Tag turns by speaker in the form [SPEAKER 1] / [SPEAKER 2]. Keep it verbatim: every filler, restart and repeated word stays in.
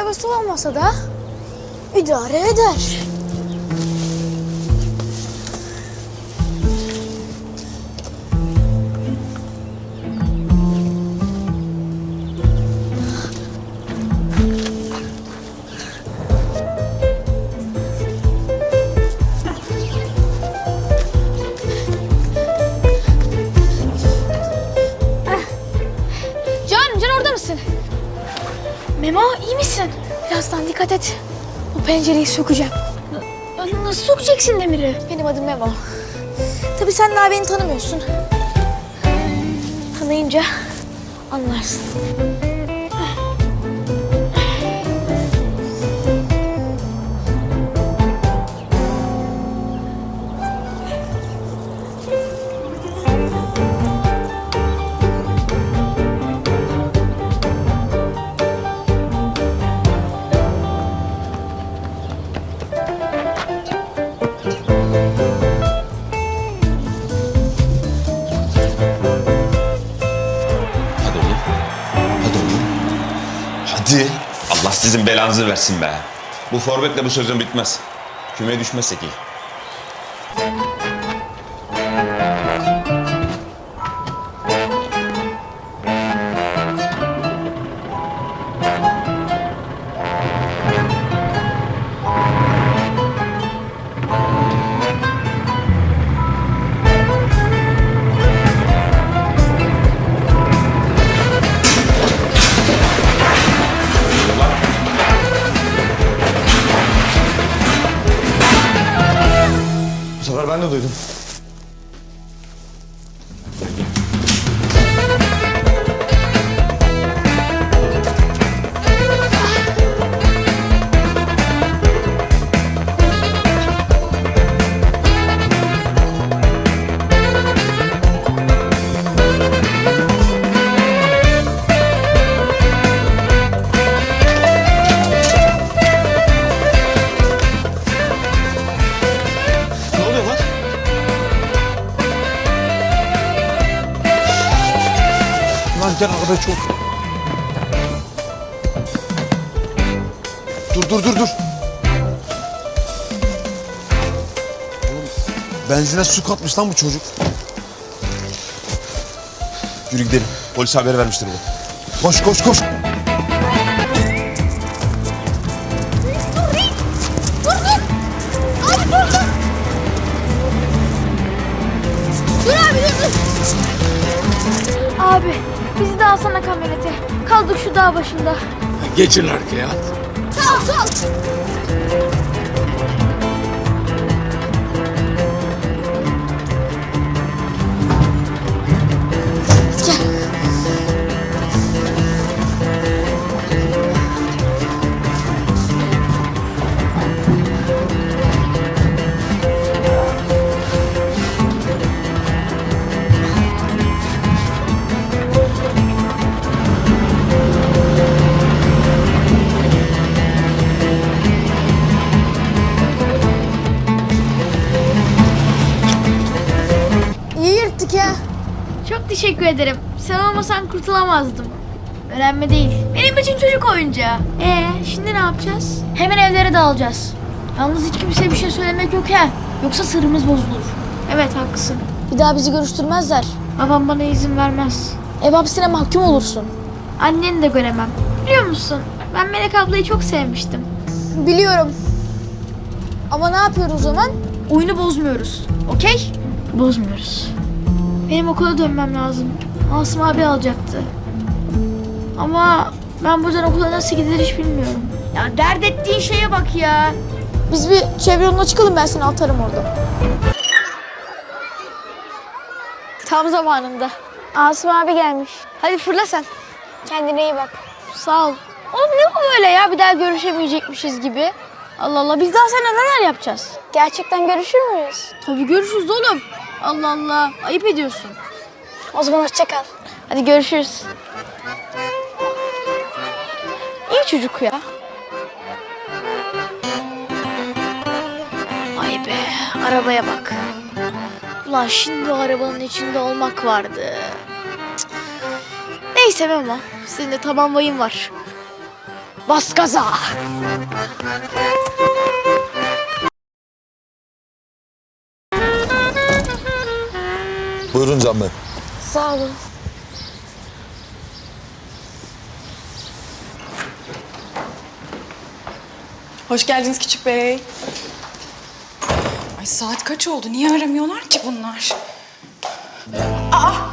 [SPEAKER 1] arabası olmasa da idare eder. Memo, iyi misin? Birazdan dikkat et. Bu pencereyi sökeceğim. N nasıl sokacaksın demiri? Benim adım Memo. Tabii sen daha beni tanımıyorsun. Tanıyınca anlarsın.
[SPEAKER 2] Hadi. Allah sizin belanızı versin be. Bu forvetle bu sözün bitmez. Kümeye düşmezsek iyi.
[SPEAKER 3] Bu sefer ben de duydum. Gel arabaya çok. Dur dur dur dur. Oğlum, benzine su katmış lan bu çocuk. Yürü gidelim. Polise haber vermiştir bu. Koş koş koş.
[SPEAKER 1] Dur dur. Abi dur dur. Dur abi dur dur. Abi bizi de alsana kamyonete. Kaldık şu dağ başında.
[SPEAKER 4] Geçin arkaya.
[SPEAKER 1] Sağ ol sağ ol. Gel. Ya.
[SPEAKER 5] Çok teşekkür ederim. Sen olmasan kurtulamazdım. Önemli değil. Benim için çocuk oyuncağı. Ee, şimdi ne yapacağız? Hemen evlere dağılacağız. Yalnız hiç kimseye bir şey söylemek yok ha. Yoksa sırrımız bozulur. Evet haklısın.
[SPEAKER 1] Bir daha bizi görüştürmezler.
[SPEAKER 5] Babam bana izin vermez.
[SPEAKER 1] Ev hapsine mahkum olursun.
[SPEAKER 5] Anneni de göremem. Biliyor musun? Ben Melek ablayı çok sevmiştim.
[SPEAKER 1] Biliyorum. Ama ne yapıyoruz o zaman?
[SPEAKER 5] Oyunu bozmuyoruz. Okey? Bozmuyoruz. Benim okula dönmem lazım. Asım abi alacaktı. Ama ben buradan okula nasıl gidilir hiç bilmiyorum. Ya dert ettiğin şeye bak ya.
[SPEAKER 1] Biz bir çevre yoluna çıkalım, ben seni atarım orada. Tam zamanında. Asım abi gelmiş. Hadi fırla sen. Kendine iyi bak.
[SPEAKER 5] Sağ ol. Oğlum ne bu böyle ya? Bir daha görüşemeyecekmişiz gibi. Allah Allah, biz daha seninle neler yapacağız?
[SPEAKER 1] Gerçekten görüşür müyüz?
[SPEAKER 5] Tabii görüşürüz oğlum. Allah Allah, ayıp ediyorsun.
[SPEAKER 1] O zaman hoşça kal.
[SPEAKER 5] Hadi görüşürüz. İyi çocuk ya. Ay be, arabaya bak. Ulan şimdi o arabanın içinde olmak vardı. Cık. Neyse Memo, senin de taban vayın var.
[SPEAKER 1] Bas gaza.
[SPEAKER 3] Buyurun Can Bey.
[SPEAKER 1] Sağ olun.
[SPEAKER 4] Hoş geldiniz küçük bey. Ay saat kaç oldu? Niye aramıyorlar ki bunlar? Aa!